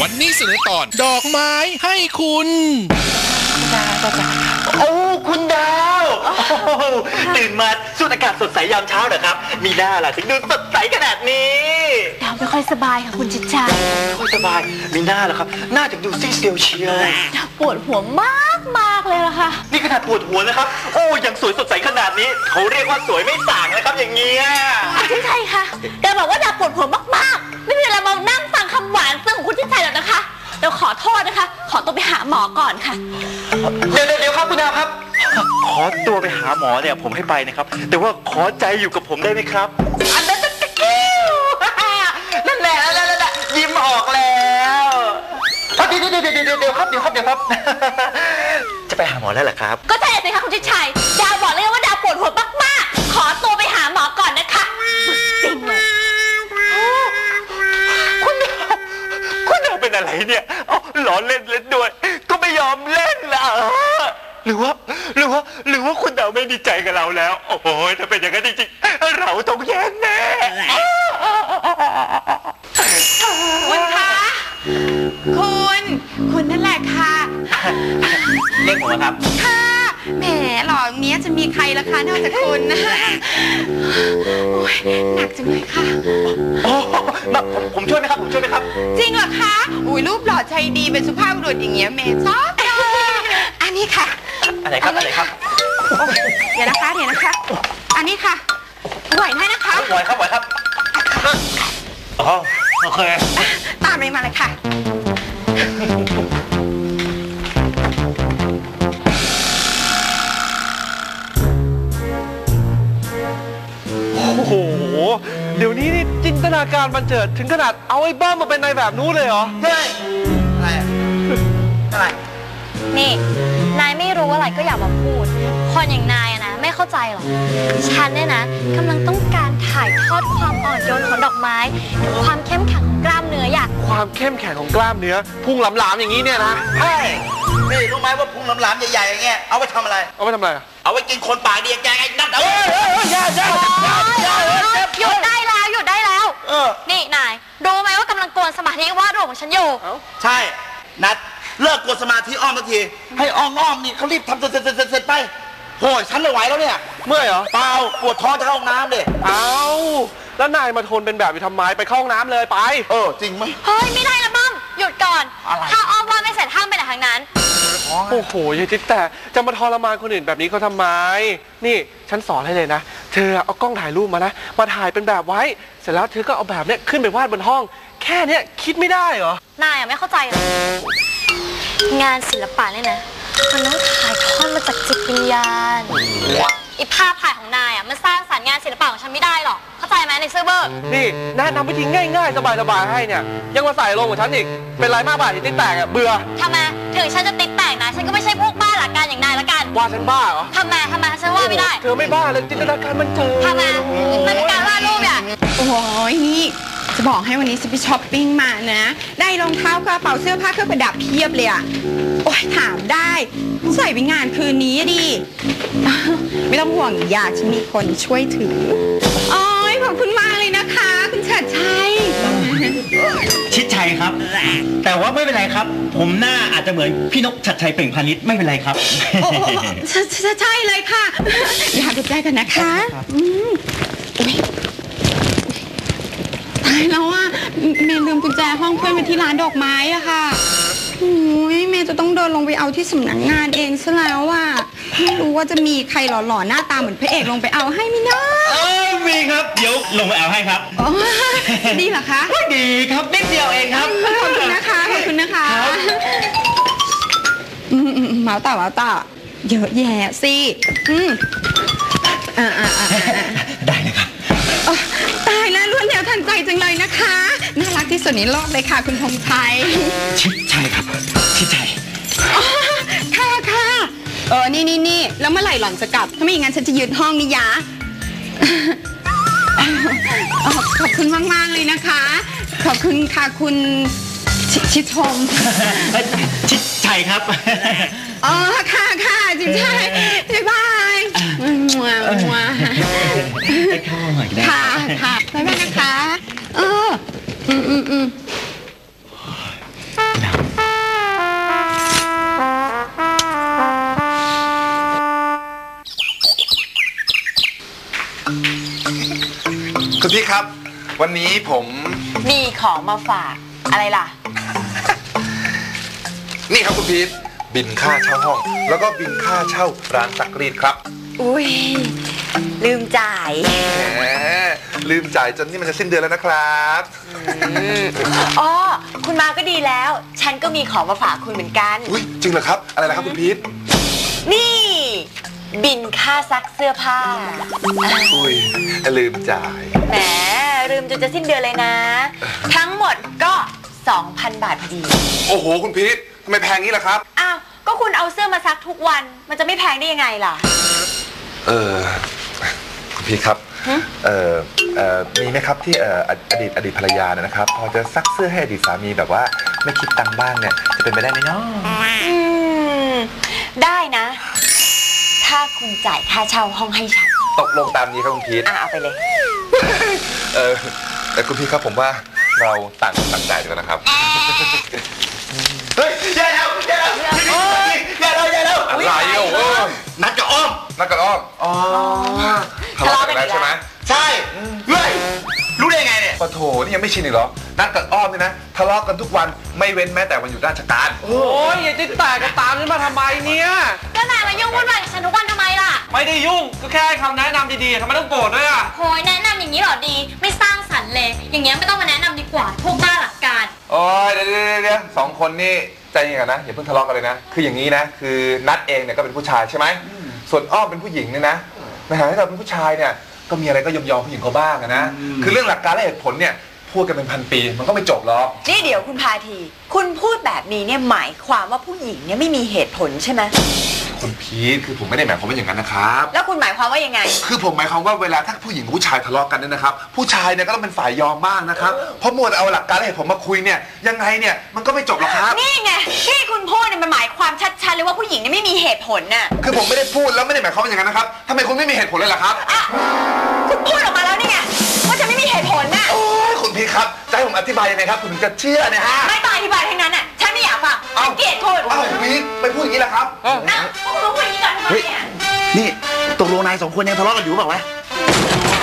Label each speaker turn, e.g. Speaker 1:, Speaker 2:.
Speaker 1: วันนี้เสนอตอนดอกไม้ให้คุณ
Speaker 2: โอ้คุณดาวตื่นมาสูดอากาศสดใสยามเช้าเหรอครับมีหน้าล่ะถึงดูสดใสขนาดนี้
Speaker 3: ดาวไม่ค่อยสบายค่ะคุณจิตใจ
Speaker 2: ไม่ค่อยสบายมีหน้าเหรอครับหน้าถึงดูซีดเซียวเชียว
Speaker 3: ดาวปวดหัวมากเลยล่ะค่ะ
Speaker 2: นี่ขนาดปวดหัวนะครับโอ้ยังสวยสดใสขนาดนี้เขาเรียกว่าสวยไม่ส่างนะครับอย่างเงี้ย
Speaker 3: ใช่ค่ะดาวบอกว่าดาวปวดหัวมากๆไม่มีเวลามานั่งฟังคำหวานซึ้งของคุณจิตใจหรอกนะคะเดี๋ยวขอโทษนะคะขอตัวไปหาหมอก่อนค่ะ
Speaker 2: เดี๋ยวครับคุณดาวครับขอตัวไปหาหมอเนี่ยผมให้ไปนะครับแต่ว่าขอใจอยู่กับผมได้ไหมครับอันนั้นนั่นแหละยิ้มออกแล้วเดี๋ยวครับจะไปหาหมอแล้วเหรอครับ
Speaker 3: ก็ใช่สิคะคุณจิตชัยดาวบอกเลยว่าดาวปวดหัวมากๆขอตัวไปหาหมอก่อนนะคะจริงเลย
Speaker 2: คุณดาวเป็นอะไรเนี่ยล้อเล่นด้วยก็ไม่ยอมเล่นละหรือว่าคุณดาวไม่ดีใจกับเราแล้วโอ้ยถ้าเป็นอย่างนั้นจริงๆเราต้องแย่แน่
Speaker 4: คุณคะคุณนั่นแหละค่ะ
Speaker 2: เรียกผมครับ
Speaker 4: ค่ะแหมหล่อเนี้ยจะมีใครล่ะคะนอกจากคุณนะโอ้ยหนักจังเลยค่ะ
Speaker 2: ผมช่วยไหมครับ
Speaker 4: จริงเหรอคะอุ้ยรูปหล่อใจดีเป็นสุภาพบุรุษอย่างเงี้ยเมย์ชอบอันนี้ค่ะ
Speaker 2: อะไรครับ
Speaker 4: เดี๋ยวนะคะอันนี้ค่ะไหวได้นะคะ
Speaker 2: ไหวครับโอเค
Speaker 4: ตามมาเลยค่ะ
Speaker 5: โอ้โหเดี๋ยวนี้นี่จินตนาการบันเจิดถึงขนาดเอาไอ้บ้ามาเป็นนายแบบนู้นเลยเหรอ
Speaker 2: เฮ้ยอะไร
Speaker 3: นี่นายไม่รู้อะไรก็อย่ามาพูดคนอย่างนายนะไม่เข้าใจหรอกฉันเนี่ยนะกำลังต้องการถ่ายทอดความอ่อนโยนของดอกไม้ความเข้มแข็งของกล้ามเนื้ออย่าง
Speaker 5: ความเข้มแข็งของกล้ามเนื้อพุงหลามๆอย่างนี้เนี่ยนะ
Speaker 2: ใช่นี่รู้ไหมว่าพุงหลามๆใหญ่ๆอย่างเงี้ยเอาไปทำอะไร
Speaker 5: เอา
Speaker 2: ไว้กินคนปากดีแกไอ้นั่นอย่า
Speaker 3: หยุดได้แล้วนี่นายรู้ไหมว่ากำลังกวนสมาธิวาดรูปของฉันอยู่
Speaker 2: ใช่นัดเลิกกวนสมาธิอ้อมสักทีให้อ้อมนี่เขารีบทำเสร็จไปโอ้ยฉันไม่ไหวแล้วเนี่ย
Speaker 5: เมื่อยเหรอ
Speaker 2: เปล่าปวดท้องจะเข้าห้องน้ำเลย
Speaker 5: แล้วนายมาทนเป็นแบบอยู่ทำไมไปเข้าห้องน้ำเลยไป
Speaker 2: จริงไหม
Speaker 3: เฮ้ยไม่ได้ละบ้มหยุดก่อนถ้าอ้อมว่าไม่เสร็จห้ามไปไหนทางนั้น
Speaker 5: โอ้โหยายจิ๊บแต่จะมาทรมานคนอื่นแบบนี้เขาทำไมนี่ฉันสอนให้เลยนะเธอเอากล้องถ่ายรูปมานะมาถ่ายเป็นแบบไว้เสร็จแล้วเธอก็เอาแบบเนี้ยขึ้นไปวาดบนห้องแค่เนี้ยคิดไม่ได้เหร
Speaker 3: อนายไม่เข้าใจหรองานศิลปะเนี่ยนะมันต้องถ่ายทอดมาจากจิตวิญญาณอีภาพถ่ายของนายมันสร้างสรรค์งานศิลปะของฉันไม่ได้หรอกเข้าใจไหมในเซอร์เบอร์
Speaker 5: นี่แนะนำวิธีง่ายๆสบายๆให้เนี่ยยังมาใส่ลงกับฉันอีกเป็นไรมากบาทที่ติ๊กแตกเบื่อ
Speaker 3: ทำไมถึงฉันจะติ๊กแตกนะฉันก็ไม่ใช่พวกบ้าหลักการอย่างนายละกัน
Speaker 5: ว่าฉันบ้าเหรอ
Speaker 3: ทำไมฉันว่าไม่ได้
Speaker 5: เธอไม่บ้าเลยจินตนาการมันเจอ
Speaker 3: ทำไมมันเป็นการวาดรูปเนี่ย
Speaker 4: โอ้ยนี่จะบอกให้วันนี้ฉันไปช้อปปิ้งมานะได้รองเท้ากระเป๋าเสื้อผ้าเครื่องประดับเพียบเลยอะโอ้ยถามได้ใส่ไปงานคืนนี้ดิไม่ต้องห่วงอยากฉันมีคนช่วยถือโอ้ยขอบคุณมากเลยนะคะคุณชัดชัย
Speaker 2: ชิดชัยครับแต่ว่าไม่เป็นไรครับผมหน้าอาจจะเหมือนพี่นกชัดชัยเปล่งพาณิชย์ไม่เป็นไรครับ
Speaker 4: ใช่เลยค่ะอยากดูใจกันนะคะตายแล้วอ่ะเมย์ลืมกุญแจห้องเพื่อนไว้ที่ร้านดอกไม้อะค่ะโอ้ยเมย์จะต้องเดินลงไปเอาที่สำนักงานเองซะแล้วอ่ะไม่รู้ว่าจะมีใครหล่อๆหน้าตาเหมือนพระเอกลงไปเอาให้มั้ยนะ
Speaker 2: มีครับเดี๋ยวลงไปเอาให้ครับ
Speaker 4: ดีเหรอคะ
Speaker 2: ดีครับนิดเดียวเองครับ
Speaker 4: ขอบคุณนะคะเมาต่าเยอะแยะสิ
Speaker 2: ได้เลยครับ
Speaker 4: ตายแล้วรวดเร็วทันใจจังเลยนะคะน่ารักที่สุดในโลกเลยค่ะคุณธงชัย
Speaker 2: ชิดชัยครับชิดชัย
Speaker 4: ค่ะนี่แล้วเมื่อไหร่หล่อนจะกลับถ้าไม่อย่างนั้นฉันจะยืนห้องนี่ยะขอบคุณมากๆเลยนะคะขอบคุณค่ะคุณชิดชม
Speaker 2: ชิดชัยครับ
Speaker 4: ค่ะชิดชัยบ๊ายบาย
Speaker 2: ไปเข้าหน่อยได้
Speaker 4: ค่ะบ๊ายบายนะคะ
Speaker 6: วันนี้ผม
Speaker 4: มีของมาฝากอะไรล่ะ
Speaker 6: นี่ครับคุณพีทบินค่าเช่าห้อง แล้วก็บินค่าเช่าร้านซักรีดครับ
Speaker 4: อุ้ยลืมจ่าย
Speaker 6: แหมลืมจ่ายจนนี่มันจะสิ้นเดือนแล้วนะครับ
Speaker 4: อ๋อคุณมาก็ดีแล้ว ฉันก็มีของมาฝากคุณเหมือนกัน
Speaker 6: อุ้ยจริงเหรอครับอะไรนะครับคุณพีท
Speaker 4: นี่ บินค่าซักเสื้อผ้า
Speaker 6: อุ้ยลืมจ่าย
Speaker 4: แหมลืมจนจะสิ้นเดือนเลยนะ ทั้งหมดก็ 2,000 บาทพอดี
Speaker 6: โอ้โหคุณพีททำไมแพงงี้ล่ะครับ
Speaker 4: อ้าวก็คุณเอาเสื้อมาซักทุกวันมันจะไม่แพงได้ยังไงล่ะ
Speaker 6: คุณพีทครับมีไหมครับที่อดีตภรรยาเนี่ยนะครับ พอจะซักเสื้อให้อดีตสามีแบบว่าไม่คิดตังค์บ้างเนี่ยจะเป็นไปได้ไหมเนาะ
Speaker 4: ได้นะ ถ้าคุณจ่ายค่าเช่าห้องให้ฉัน
Speaker 6: ตกลงตามนี้ครับคุณพีท
Speaker 4: เอาไปเลย
Speaker 6: แต่คุณพีทครับผมว่าเราต่างคนต่างจ่ายดีกว่านะครับ เฮ้ยแย่แล้วแย่แล้วแย่แล้วแย่แล้วอะไรอ่ะนัดกับอ้อมนัดกับอ้อมอ๋อทะเลาะกันแล้วใช่ไหมใช่เฮ้ยรู้ได้ไงเนี่ยปะโถนี่ยังไม่ชินอีกเหรอนัดกับอ้อมเนี่ยนะทะเลาะกันทุกวันไม่เว้นแม้แต่วันหยุดราชการ
Speaker 5: โอ้ยอย่าติดแต่ก็ตามฉันมาทำไมเนี่ย
Speaker 3: ก็นายมายุ่งวุ่นวายกับฉันทุกวันทำไมล่ะ
Speaker 5: ไม่ได้ยุ่งก็แค่ให้คำแนะนำดีๆทำไมต้องโกรธด้วยอ่ะ
Speaker 3: โหยแนะนำอย่างนี้เหรอดี ไม่สร้างสรรค์เลย อย่างเงี้ยไม่ต้องมาแนะนำดีกว่า พวกบ้าหลักการ
Speaker 6: โอ้ยเดี๋ยวสองคนนี่ใจเย็นกันนะอย่าเพิ่งทะเลาะกันเลยนะคืออย่างนี้นะคือนัดเองเนี่ยก็เป็นผู้ชายใช่ไหมส่วนอ้อมเป็นผู้หญิงเนี่ยนะในฐานะที่เราเป็นผู้ชายเนี่ยก็มีอะไรก็ยอมผู้หญิงเขาบ้างนะคือเรื่องหลักการและเหตุผลเนี่ยพูดกันเป็นพันปีมันก็ไม่จบหรอก
Speaker 4: นี่เดี๋ยวคุณพาที คุณพูดแบบนี้เนี่ยหมายความว่าผู้หญิงเนี่ยไม่มีเหตุผลใช่ไหม
Speaker 6: คุณพีทคือผมไม่ได้หมายความว่าอย่างนั้นนะครับ
Speaker 4: แล้วคุณหมายความว่ายังไง
Speaker 6: คือผมหมายความว่าเวลาถ้าผู้หญิงกับผู้ชายทะเลาะกันเนี่ยนะครับผู้ชายเนี่ยก็ต้องเป็นฝ่ายยอมบ้างนะครับเพราะมัวแต่เอาหลักการและเหตุผลมาคุยเนี่ยยังไงเนี่ยมันก็ไม่จบหรอกครับ
Speaker 4: นี่ไงที่คุณพูดเนี่ยมันหมายความชัดๆเลยว่าผู้หญิงเนี่ยไม่มีเหตุผลน่ะ
Speaker 6: คือผมไม่ได้พูดแล้วไม่ได้หมายความว่าอย่างนั้นนะครับทำไมคุณไม่มีเหตุผลเลยล่ะครับ
Speaker 4: คุณพูดออกมาแล้วนี่ไงว่าจะไม่มีเหตุผลน่ะ
Speaker 6: โอ้ยคุณพีทครับจะให้ผมอธิบายยังไงครับคุณถึงจะเชื่อเนี่ยฮะ
Speaker 4: ไม่ต้องอธิบายทั้งนั้นน่ะฉันไม่อยากฟังฉันเกลียดคุณ
Speaker 6: อ้าวคุณพีทไปพูดอย่างนี้ล่ะครับ
Speaker 4: นะพวกคุณมาพูดอย่างนี้ก่อนทำไมเนี่ย
Speaker 2: นี่ตกลงนายสองคนยังทะเลาะกันอยู่เปล่าวะ